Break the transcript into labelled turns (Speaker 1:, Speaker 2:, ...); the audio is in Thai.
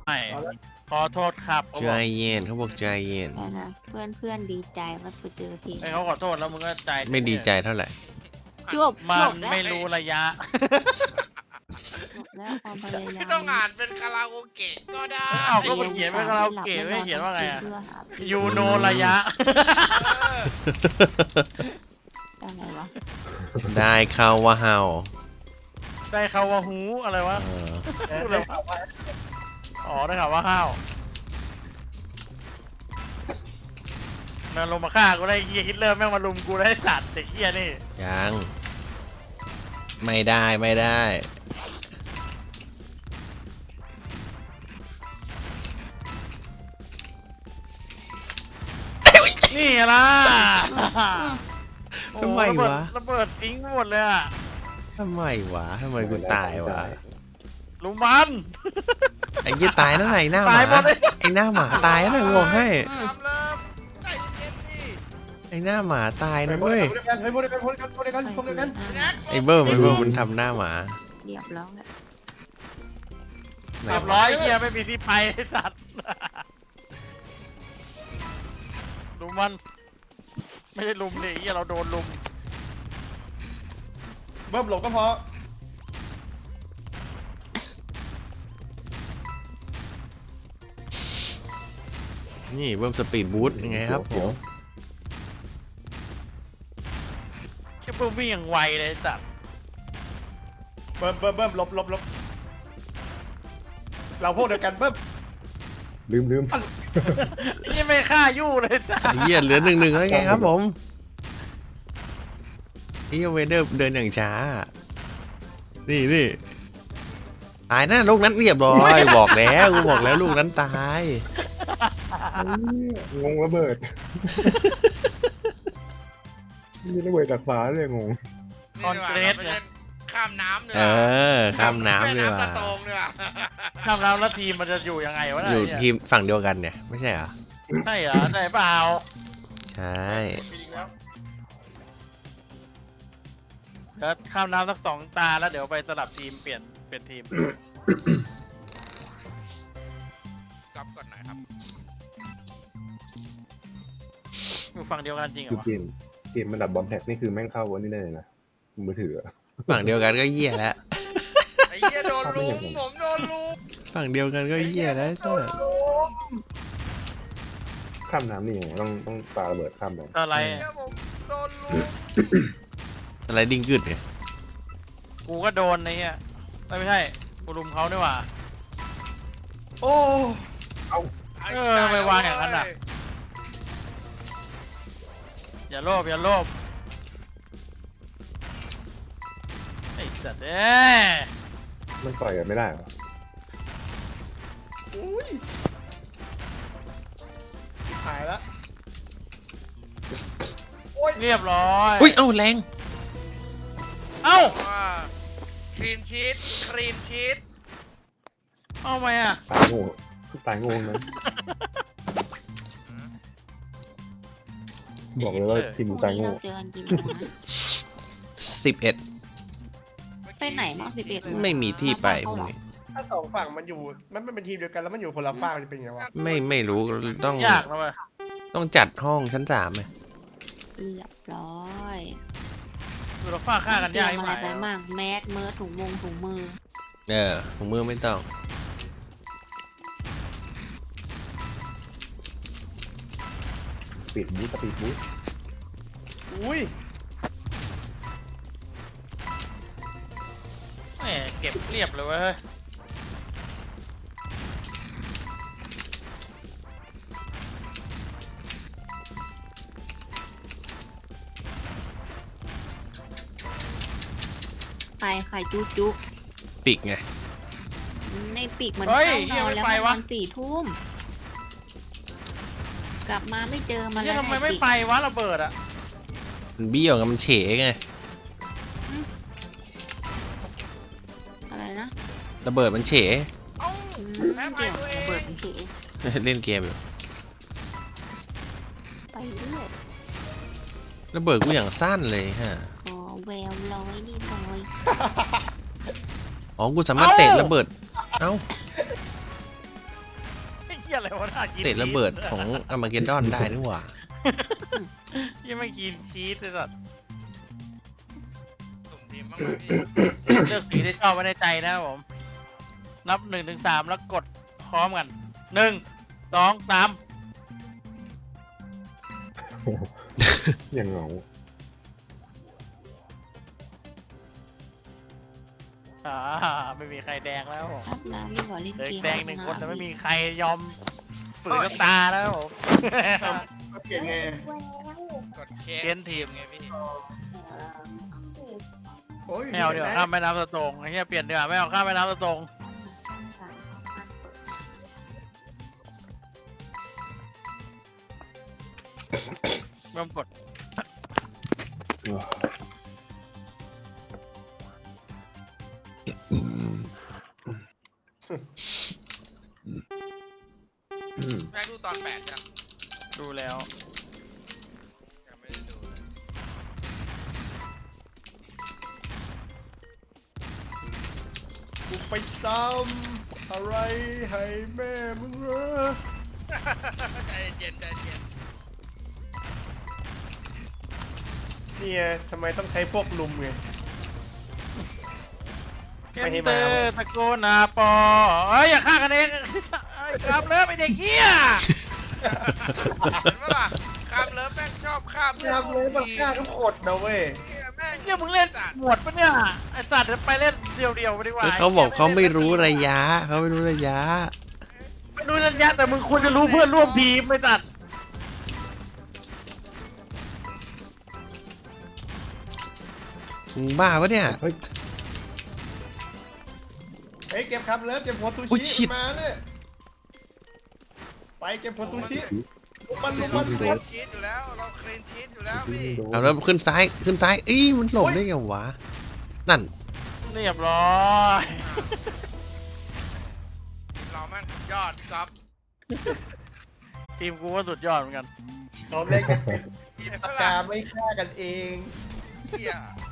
Speaker 1: ไม่ขอโทษครับเขา
Speaker 2: ใจ
Speaker 1: บอก
Speaker 2: เย็นเขาบอกใจเย็น
Speaker 3: นะเพื่อนดีใจว่าไปเจอเพลง
Speaker 1: ไอ้เขาขอโทษแล้วมึงก็ใจ
Speaker 2: ไม่ดีใจเท่าไหร่
Speaker 3: จบ
Speaker 1: มัน
Speaker 3: จบแล้ว
Speaker 1: ไม่รู้ระยะ
Speaker 3: จบแล้วความพยายาม
Speaker 4: ไม่ต้องอ่านเป็นคาราโอเกะก็ได้
Speaker 1: อ้าวก็มันเขียนไว้คาราโอเกะไม่เขียนว่าไงอะ
Speaker 3: เพื่อหาเพลง
Speaker 1: ยูโนระยะ
Speaker 3: อะไรวะ
Speaker 2: ได้เข้าว่าเฮา
Speaker 1: ได้ข่าวว่าหูอะไรวะ
Speaker 2: เออ
Speaker 1: พูดอะไรวะอ๋อได้ข่าวว่าห้าวมันลงมาฆ่ากูได้เฮียฮิตเลอร์แม่งมาลุมกูได้สัตว์เด็กเฮียนี่
Speaker 2: ยังไม่ได้ไม่ได้
Speaker 1: นี่ล่ะ
Speaker 2: ทำไมวะ
Speaker 1: ระเบิดทิ้งหมดเลยอะ
Speaker 2: ทำไมวะทำไมกูตายวะ
Speaker 1: ลุมมัน
Speaker 2: ไอ้ยี่ตายนั่นไหนหน้าห
Speaker 1: ตายหม
Speaker 2: มา
Speaker 1: ดเลย
Speaker 2: ไอ้หน้าหมาตายนั่นไหนบอกให้
Speaker 4: ทำเลิฟใจเย็นดิ
Speaker 2: ไอ้หน้าหมาตาย
Speaker 5: เฮ้
Speaker 2: นะ
Speaker 5: ย
Speaker 2: เว้ย
Speaker 5: พูดด้วยกันพูดด้วยกันพูดด้วยกันพูดด้วยกัน
Speaker 4: แน็ก
Speaker 2: ไอ้เบิ้มไอ้เบิ้มมันทำหน้าหมา
Speaker 3: เรียบร้อยแล้ว
Speaker 2: ไหน
Speaker 1: เรียบ
Speaker 2: วะ
Speaker 1: ร้อยเฮียไม่มีที่ไปไอ้สัตว์ลุมมัน ไม่ใช่ลุมดิเฮียเราโดนลุม
Speaker 5: เบิ้มหลบก็พอ
Speaker 2: นี่เบิ้มสปีดบูทยังไงครับผม
Speaker 1: แค่ปุ๊บวิ่งอย่างไวเลยไอ้สัตว์
Speaker 5: เบิ้มหลบเราพวกเดียวกันเบิ้ม
Speaker 6: ลืม
Speaker 1: นี่ไม่ฆ่ายู่เลยไอ้สัต
Speaker 2: ไอ้
Speaker 1: ว์
Speaker 2: เหี้ยเหลือ1-1แล้วไงครับผมไอ้เหี้ยเวเดอร์เดินอย่างช้า นี่ตายนะลูกนั้นเรียบร้อยบอกแล้วกูบอกแล้วลูกนั้นตาย
Speaker 6: งงระเบิดมีระเบิดจากฟ้าเลยงง
Speaker 1: คอนเกรส
Speaker 4: ไป
Speaker 1: เนี่
Speaker 4: เล่
Speaker 1: ย
Speaker 4: นข้ามน้ำเนี
Speaker 2: เออข้ามน้ำดีกว่า
Speaker 4: น้ำตะโตงเนี่ย
Speaker 1: ข้ามน้ำแล้วทีมมันจะอยู่ยังไงวะ
Speaker 2: อยู่
Speaker 1: เนี่ย
Speaker 2: ทีมฝั่งเดียวกันเนี่ยไม่ใช่เหรอ
Speaker 1: ใช่เหรอใช่เปล่า
Speaker 2: ใช่
Speaker 5: มีอีกแล้ว
Speaker 1: เดี๋ยวข้ามน้ำสัก2 ตาแล้วเดี๋ยวไปสลับทีมเปลี่ยนทีม
Speaker 4: กลับก่อนหน่อยครับ
Speaker 1: อยู่ฝั่งเดียวกันจริงเหร
Speaker 6: คือ
Speaker 1: อวะ
Speaker 6: เกมมันดับบอมแท็กนี่คือแม่งเข้าวันนี้ได้เลยนะมือถืออะ
Speaker 2: ฝั่งเดียวกันก็เหี้ยแล้ว
Speaker 4: ไอ้เหี้ยโดนลุมผมโดนลุม
Speaker 2: ฝั่งเดียวกันก็เหี้ยแล้ว
Speaker 4: โดนลุม
Speaker 6: ข้ามน้ำนี่ยังไงต้องปาระเบิดข้ามไป
Speaker 1: อะไร
Speaker 4: ไอ้เหี้ยผมโดนลุม
Speaker 2: อะไรดิ้งกึดเนี่ย
Speaker 1: กูก็โดนไอ้เหี้ยไม่ใช่กูลุมเขาด้วยว่ะ
Speaker 5: โอ้
Speaker 1: เออไปวางอย่างนั้นน่ะ อย่าโลภไอ้สัตว์เอ้ย
Speaker 6: มันต่อยกันไม่ได้เหรอ
Speaker 5: หายแล้ว
Speaker 1: เรียบร้อย
Speaker 2: อุ้ยเอ้าแรง
Speaker 1: เอ้า
Speaker 4: ว่าคลีนชีต
Speaker 1: เอาไหมอ่ะ
Speaker 6: ตายโง่นั้นบอกเลยว่าทีม
Speaker 3: พรุ่ง
Speaker 6: ตาย
Speaker 3: นี้
Speaker 6: โง่
Speaker 3: เราเจอกันกี่โมงนะ
Speaker 2: 11
Speaker 3: ไปไหนเนาะ11
Speaker 2: ไม่มีที่ไปพรุ่งนี้
Speaker 5: ถ้าสองฝั่งมันอยู่มันไม่เป็นทีมเดียวกันแล้วมันอยู่คนละฝั่งจะเป็นยังไงวะ
Speaker 2: ไม่รู้ต้อง
Speaker 1: ยากนะเว้ย
Speaker 2: ต้องจัดห้องชั้น3ไหม
Speaker 3: เรียบร้อย
Speaker 1: ดูเราฟาดฆ่ากัน
Speaker 3: เตรี
Speaker 1: ยาย ก
Speaker 3: ม
Speaker 1: ไห
Speaker 3: อะไรไปมั่งแมสเมิร์ถุงมือ
Speaker 2: ถุงมือไม่ต้อง
Speaker 6: สปีดบูท
Speaker 5: อุ้ย
Speaker 1: แหมเก็บเรียบเลยเว้ย
Speaker 3: ไข่จุ
Speaker 2: ปิกไง
Speaker 3: ในปีกมันเข้านอนแล้วมันนอน4 ทุ่มกลับมาไม่เจอมัน
Speaker 1: เนี่
Speaker 3: แล้
Speaker 1: ยว ทำไมไม่
Speaker 3: ปีก
Speaker 1: ไปวะระเบิดอ่ะ
Speaker 2: มันเบี้ยวไงมันเฉไง
Speaker 3: อะไรนะ
Speaker 2: ระเบิดมันเฉ
Speaker 4: เอ้า แพ้ภัยตัวเอง
Speaker 3: ระเบิดมันเฉ
Speaker 2: เล่นเกมอยู่
Speaker 3: ไปเรื่อย
Speaker 2: ระเบิดกูอย่างสั้นเลยฮะ
Speaker 3: ขอแววร้อยนี่ร้อย
Speaker 2: อ๋อกูสามารถเตะระเบิดเอ้า
Speaker 1: อะไรวะน่ากิน
Speaker 2: เตะระเบิดของอาร์มาเกดดอนได้นี่หว่า
Speaker 1: ยังไม่กินชีสเลยสัตว์
Speaker 4: สุ่มทีมบ้างไหมพี่
Speaker 1: เลือกสีที่ชอบไว้ในใจนะครับผม นับ1 ถึง 3แล้วกดพร้อมกัน1 2 3
Speaker 6: อย่างเหงา
Speaker 1: ไม่มีใครแดงแล้วผม
Speaker 3: ครับน้ำดีกว่าเล่น
Speaker 1: เหลือ
Speaker 3: เก
Speaker 1: อี
Speaker 3: ม
Speaker 1: กแดง1 คนแต่ไม่มีใครยอมฝืนน้ำตาแล้วผม
Speaker 5: ก็เปลี่ยนไง
Speaker 4: กดเช็ค
Speaker 1: เปลี่ยนทีม
Speaker 4: ไงพี่
Speaker 5: โอ้ย
Speaker 1: ไม่เอาเดี๋ยวข้ามแม่น้ำสะตงไอ้เหี้ยเปลี่ยนดีกว่าไม่เอาข้ามแม่น้ำสะตงเริ่มกด
Speaker 4: แม่งดูตอน8จ้ะ
Speaker 1: ดูแล้ว
Speaker 4: ยังไม่ได้ดูเลย
Speaker 5: กูไปตำอะไรให้แม่มึงเหรอ
Speaker 4: ใจเย็นใจเย็น
Speaker 5: เนี่ยทำไมต้องใช้พวกลุมไง
Speaker 1: เก
Speaker 5: ไม่
Speaker 1: น
Speaker 5: ให้
Speaker 1: เต
Speaker 5: มา
Speaker 1: อร์ตะโกนนาปอเอ้ยอย่าฆ่ากันเองเอ้ยครับเลิฟไอเด็กเหี้ย
Speaker 4: เห็นปะล่ะข้ามเลิฟแม่งชอบข้ามเพื่อน
Speaker 5: ทำเลยมันฆ่าทุกคนนะเว้ย
Speaker 4: เหี้ยแม่ง
Speaker 1: เนี่ยมึงเล่นหมวดปะเนี่ยไอสัตว์เดี๋ยวไปเล่นเดียวๆไปดีกว่า
Speaker 2: เขาบอกเขาไม่รู้ระยะเขาไม่รู้ระยะ
Speaker 1: ไม่รู้ระยะแต่มึงควรจะรู้เพื่อนร่วมทีมไม่ตัด
Speaker 2: มึงบ้าปะเนี่ย
Speaker 6: เฮ้ย
Speaker 5: เฮ้ยเก็บครับเลิฟเก็บหัวซู
Speaker 2: อุ๊ยชิ
Speaker 5: ชิ
Speaker 2: บ
Speaker 5: มาเนี่ยไปเก็บหัวซูชิลุมมัน
Speaker 4: เรา
Speaker 5: ลุม
Speaker 4: เค
Speaker 5: มัน
Speaker 4: ลนชีตอยู่แล้วเราเคลนชีตอยู่แล้วพี่
Speaker 2: เอาแล้วขึ้นซ้ายขึ้นซ้ายอีมันหลบได้ไงวะนั่น
Speaker 1: เรียบร้อย
Speaker 4: ทีมเราแม่งสุดยอดพี่ก๊อฟ
Speaker 1: ทีมกูก็สุดยอดเหมือนกัน
Speaker 5: เราเล่นกันเป็น
Speaker 4: เห็น
Speaker 5: ปา
Speaker 4: ปะ
Speaker 5: ก
Speaker 4: ล่ะ
Speaker 5: กาไม่ฆ่ากันเอง
Speaker 4: เหี้ย